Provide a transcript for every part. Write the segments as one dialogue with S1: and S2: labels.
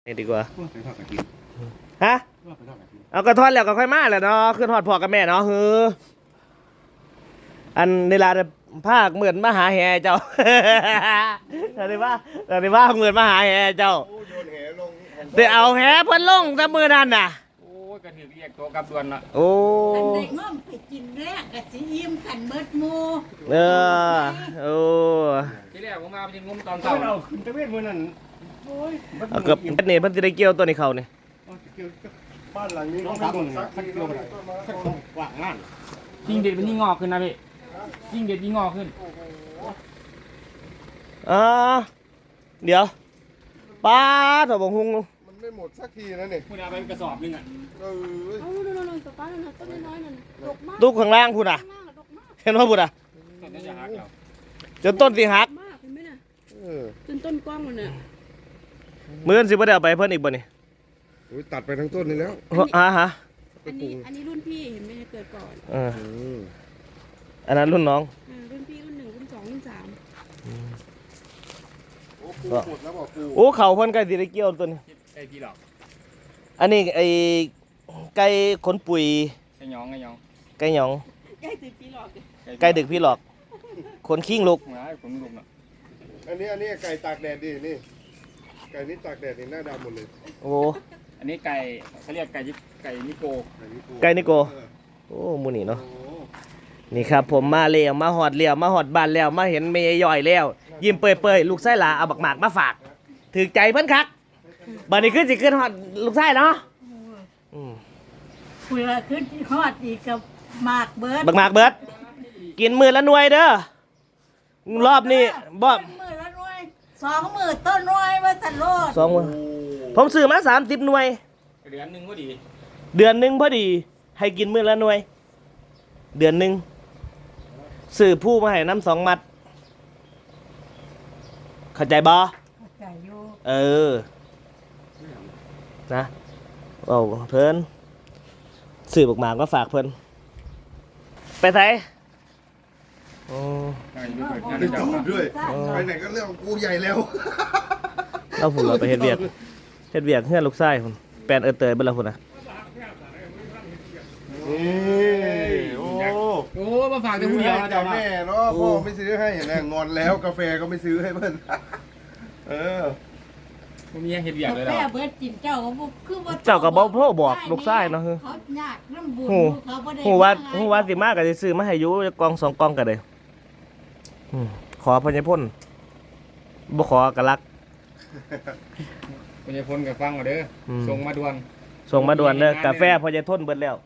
S1: นี่ดีกว่า
S2: ไปทอดกระถิ่น
S1: ฮะ
S2: ไปทอดกระถิ่น
S1: เอากระทอดแล้วก็ค่อยมาแหละเนาะขึ้นทอดพ่อกับแม่เนาะฮืออันในลาภาคเหมือนมาหาแห่เจ้าแต่ในว่าเหมือนมาหาแห่เจ้า
S2: โยนแหลง
S1: เดี๋ยวเอาแห่เพิ่นลงแต่มือนั่นน่ะ
S3: โอ้ยกระถือเรียกตัวกับดวนละ
S1: โอ้
S4: คันได้ง่อมไปกินแรกกะสิอิ่มกันเบิดหมู่
S1: โอ้
S3: ที่แรกผมมาเป็นงมตอนเช้า
S2: เราขึ้นตะเวนมื้อนั้นโอ้ย
S1: เอาเกือบนี่เพิ่นสิได้เกี่ยวตัวนี้เขานี่
S2: บ้านหลังนี้ต้องทำสักเกี่ยวอะไรสักว่างงาน
S3: ยิ่งเด็ดมันยิ่งงอกขึ้นนะพี่ยิ่งเด็ดยิ่งงอกขึ้น
S1: เดี๋ยวป้าถบงหุง
S2: มันไม่หมดสักทีนะนี่
S3: คุณเอาไปกระสอบนึงอ่ะ
S4: เอานั่นๆๆป้านั่นน่ะต้นน้อยๆนั่นดกมาก
S1: ตุ๊กข้างล่างพุ่นน่ะ
S4: ข้างล่างดกมาก
S1: เห็นว่าพุ่นน่ะ
S3: ต้นจะหักแล้ว
S1: จนต้นสิหัก
S4: มากเห็นไหมน่ะจนต้นกว้างมันน่ะ
S1: มื้อนี้สิบ่ได้เอาไปเพิ่นอีกบ่นี่
S2: ตัดไปทั้งต้นนี่แล้ว
S1: ฮะ
S4: อันนี้รุ่นพี่เห็นไหมเกิดก่อน
S1: อันนั้นรุ่นน้อง
S4: รุ่นพี่รุ่น1รุ่น2รุ่น3
S1: โอ้เขาเพิ่นใกล้สิได้เกี่ยวตัวนี้
S3: ไก่พี่หลอก
S1: อันนี้ไอ้ไก่ขนปุ๋ย
S3: ไก่หยองไก่หยอง
S1: ไก่หยอง
S4: ใกล้ดึกพี่หลอก
S1: ไก่ดึกพี่หลอกขนคิงลูก
S3: ผมลูกน่ะ
S2: อันนี้ไก่ตากแดดดินี่ไก่นี่ตากแดดนี่หน้าดำหมดเลย
S1: โอ้
S3: อันนี้ไก่เขาเรียกไก่นิโก
S1: ไก่นิโกโอ้มูนี่เนาะนี่ครับผมมาเลี้ยวมาหอดเลี้ยวมาหอดบ้านแล้วมาเห็นเมย์ย่อยแล้วยิ้มเปื่อยๆลูกไส้หลาเอาบักหมากมาฝากถือใจเพิ่นคักบัดนี้ขึ้นสิขึ้นหอดลูกไส้เนาะ
S4: คุยว่าขึ้นฮอดอีกกับหมากเบิด
S1: บักหมากเบิดกินมือละหน่วยเด้อรอบนี้บ่
S4: มือละหน่วย2มื้อต้นหน่วยว่าซั่นโลด
S1: 2มื้อผมซื้อมา30หน่วย
S3: เดือนนึงพอดี
S1: เดือนนึงพอดีให้กินมื้อละหน่วยเดือนนึงซื้อผู้มาให้น้ำ2 มัดเข้าใจบ่
S4: เข้าใจอยู่
S1: นะโอ้เพิ่นซื้อบักหมากมาฝากเพิ่นไปไสโอ้
S2: ไปจอดด้วยไปไหนก็เรื่องกูใหญ่แล้ว
S1: เราพุ่นเราไปเฮ็ดเวียกเฮือนลูกชายพุ่นแปลนเตยเบิ่นละพุ่นน่ะ
S3: โอ้มาฝากแต่ผู้เดียวนะเจ้า
S2: แม่เนาะพ่อไม่ซื้อให้อย่างนั้นงอนแล้วกาแฟก็ไม่ซื้อให้เพิ่น
S3: ผมมีเฮ็ดเวียกเลย
S4: แม่
S3: เนาะ
S4: เบิดกินเจ้าก็คือว่า
S1: เจ้าก็บ่โทรบอกลูกชายเนาะ
S4: เขายากนำบุญเขาบ่ได้
S1: ฮู้ว่าสิมาก็สิซื้อมาให้อยู่กล่อง2 กล่องก็ได้ขอพญพลบ่ขอกะลัก
S3: พญพลก็ฟังเอาเด้อส่งมาด่วน
S1: เด้อกาแฟพญทนเบิดแล้ว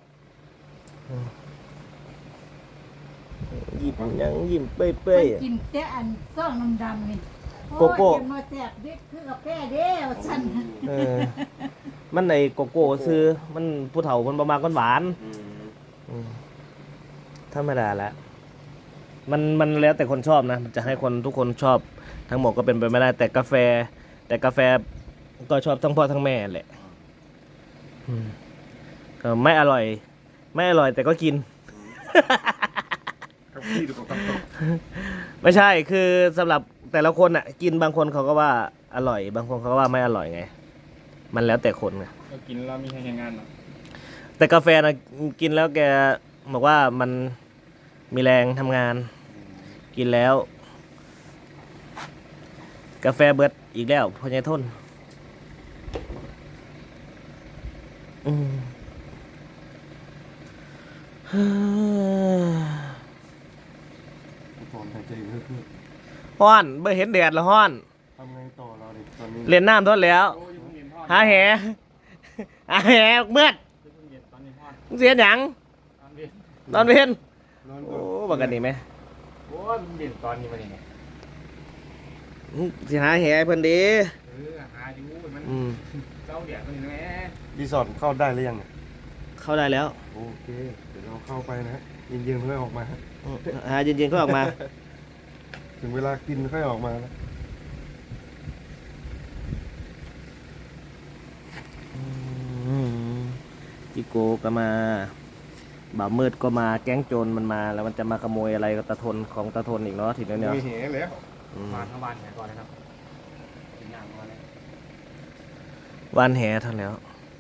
S1: ยิ้มเป้ย
S4: กินแต่อันซ่องดำๆนี่
S1: โกโก้
S4: มาแจกเด็กคือกาแฟเด้อซั่น
S1: มันไอ้โกโก้ซื้อมันผู้เฒ่ามันบ่มักหวานธรรมดาละมันแล้วแต่คนชอบนะจะให้คนทุกคนชอบทั้งหมดก็เป็นไปไม่ได้แต่กาแฟก็ชอบทั้งพ่อทั้งแม่แหละก็ไม่อร่อยแต่ก็กินไม่ใช่คือสำหรับแต่ละคนอ่ะกินบางคนเขาก็ว่าอร่อยบางคนเขาก็ว่าไม่อร่อยไงมันแล้วแต่คนไง
S3: เรากินแล้วมีให้งานเนาะ
S1: แต่กาแฟนะกินแล้วแกบอกว่ามันมีแรงทำงานกินแล้วกาแฟเบิดอีกแล้วพอใหญ่ทนฮ้อนเมื่อเห็นแดดแล้วฮ้อน
S2: ทำไงต่อเราดิตอนนี้
S1: เล่นน้ำทนแล้วหาแหเมื่อเสียหยังตอนเย็นโอ้บักกันนี่ไหม
S3: โอ้ยมันเย็นตอนนี้มาเนี่ย
S1: สิหาแหเพิ่นดี
S3: หาอยู่มันเจ้าเดี๋ยวมันแหม
S2: รีสอร์ทเข้าได้หรือยัง
S1: เข้าได้แล้ว
S2: โอเคเดี๋ยวเราเข้าไปนะเย็นๆค่อยออกมา
S1: เย็นๆค่อยออกมา
S2: ถึงเวลากินค่อยออกมาแล้ว
S1: จิโกก็มาบ่าวมืดก็มาแก๊งโจรมันมาแล้วมันจะมาขโมยอะไรกับตาทนของตาทนอีกเนาะทีนี้เนี่ย
S2: มีเหตุแล้ว
S3: มาทั้งวันก่อนนะครับกินอย่างก่อนเลย
S1: วันแหเท่าแล้ว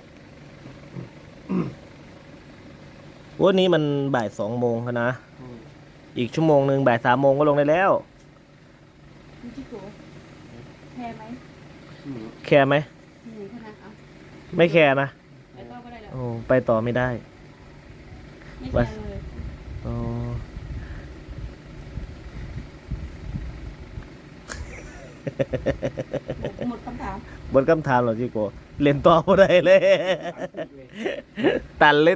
S1: วันนี้มันบ่าย2 โมงแล้วนะ อีกชั่วโมงหนึ่งบ่าย3 โมงก็ลงได้แล้ว
S4: มีที่โกแพ้ไหม
S1: แคร์ไหม
S4: หนูขนาดเอา
S1: ไม่แคร์นะ
S4: ไปต่อก็ได้แล้ว
S1: โอ้ไปต่อไม่ได้
S4: ไม่แพ้เลย
S1: อ๋อ
S4: หมดคำถาม
S1: บนคำถามเหรอจิโกเล่นต่อบ่ได้เลย ตันเล็ด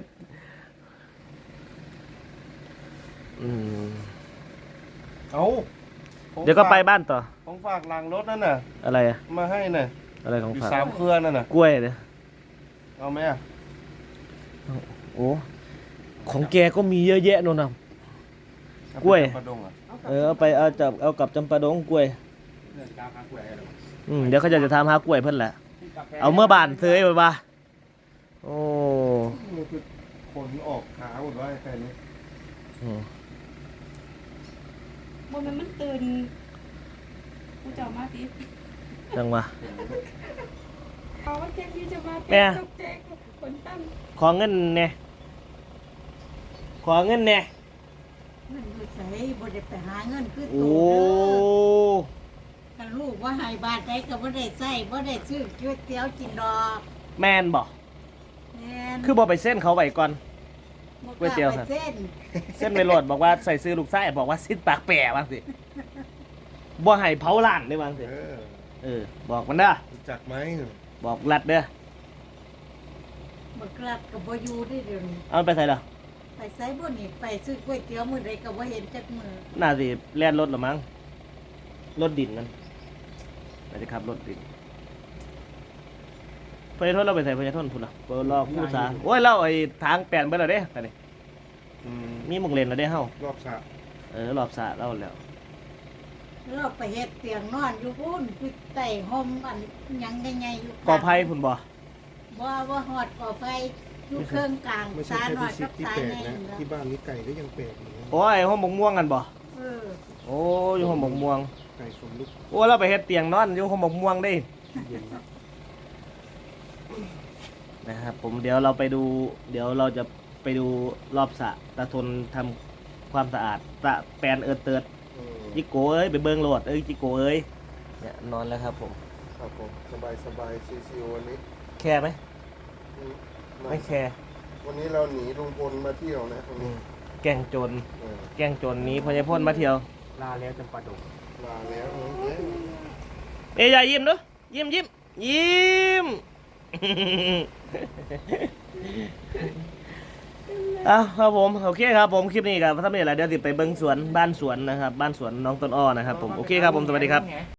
S1: อืม
S2: เอา
S1: เดี๋ยวก็ไปบ้านต่อ
S2: ของฝากหลังรถนั่นน่ะ
S1: อะไรอะ
S2: มาให้น่ะ
S1: อะไรของ
S2: อยู่
S1: ฝาก
S2: 3 เครือนั่นน่ะ
S1: กล้วยเนี่ย
S2: เอาไหมอ่ะ
S1: โอ้ของแกก็มีเยอะแยะนู่นน่ะ กล้วย
S2: ประดงอ่ะ
S1: เอาไปเอากับจำปาดงกล้วย
S3: เรื่องการหากล้วยอะไรหรอ
S1: เดี๋ยวเขาจะทำหากล้วยเพิ่นแหละ เอาเมื่อบานเซยไปว่าโอ้
S2: นี่คือขนออกขาหมดว่าแค่นี้
S1: อืม
S4: บนมันตื่นกูจะมาติ
S1: จังวะ
S4: เอาว่าแจ็คที่จะมา
S1: แม่
S4: ตกแจ็คคนตั้ง
S1: ขอเงินแหน่ขอเงินแหน่
S4: เงินคือใส่บ่ได้ไปหาเงินคือ
S1: โอ้
S4: ตัวเด้อกันลูกว่าให้บาทใดก็บ่ได้ใช้บ่ได้ซื้อก๋วยเตี๋ยวกินดอก
S1: แมนบอก
S4: แม่น
S1: คือบอกไปเส้นเขาไว้ก่อน
S4: บ่
S1: ก๋วยเตี๋ยวครับ
S4: ไปเส้น
S1: เส้นไปโหลดบอกว่าใส่ซื้อลูกไส้บอกว่าซิดปากแปะบ้างสิบ่ให้เผาล้านได้บ้างสิบอกมันเด้อ
S2: รู้จักไหม
S1: บอกรัดเด้อ
S4: บ่กลับก็บ่อยู่ได้เดี๋ยวนี้
S1: เอามันไปใส่เด้อ
S4: ไปไสบ่นี่ไปซื้อก๋วยเตี๋ยวมื้อใดก็บ่เห็นจักมื้อ
S1: น่าสิแล่นรถหรือมั้งรถดินนั่นน่าจะขับรถดินพยาทนเราไปใส่พยาทนพุ่นล่ะเปิดรอคู่สาโอ้ยเราไอ้ทางแปลนไปแล้วเด้ตอนนี้มีหมุกเลนแล้วเด้เฮาร
S2: อบสระ
S1: รอบสระเราแล้ว
S4: เราไปเฮ็ดเตียงนอนอยู่พุ่นคือใต้ห่มอันหยังใหญ่ๆอยู่
S1: กอไผ่พุ่นบ่
S4: บ่ฮอดก่อไฟอยู่เครื่องกลาง
S2: ไม่
S4: สา
S2: ใช่
S4: หน่อย
S2: แค่
S4: กับ
S2: ที่
S4: สา
S2: แปลก
S4: ใหญ่
S2: นะ
S4: นี่
S2: ที่บ้านนี้ไก่ก็ยังแปลกอยู่นะ
S1: โอ้ยห้องบกม่วงกันบ่
S4: เออ
S1: โอ้อยู่ห้องบกม่วง
S2: ไก่สมลูก
S1: โอ้เราไปเฮ็ดเตียงนอนอยู่ห้องบกม่วงได้
S2: เย็นนะ
S1: นะครับผมเดี๋ยวเราไปดู เดี๋ยวเราจะไปดูรอบสระตาทนทำความสะอาดตะแปลนเติดจิโกเอ้ยไปเบิ่งโหลดจิโกเอ้ยเนี่ยนอนแล้วครับผม
S2: ครับผมสบายสบายชิวๆวันนี้
S1: แคร์ไหม
S2: อืม
S1: ไม่แคร์
S2: วันนี้เราหนีลุงพลมาเที่ยวนะวันนี้
S1: แกล้งโจร
S2: เออ
S1: แกล้งโจรหนี้พญาพ่นมาเที่ยว
S3: ลาแล้วจำปาดง
S2: ลาแล้ว
S1: เอ้ยอย่ายิ้มเด้อยิ้มยิ้มยิ้ม อ้าวครับผมโอเคครับผมคลิปนี้ครับถ้าไม่อะไรเดี๋ยวติดไปเบิ้งสวนบ้านสวนนะครับบ้านสวนน้องต้นอ้อนะครับผมโอเคครับผมสวัสดีครับ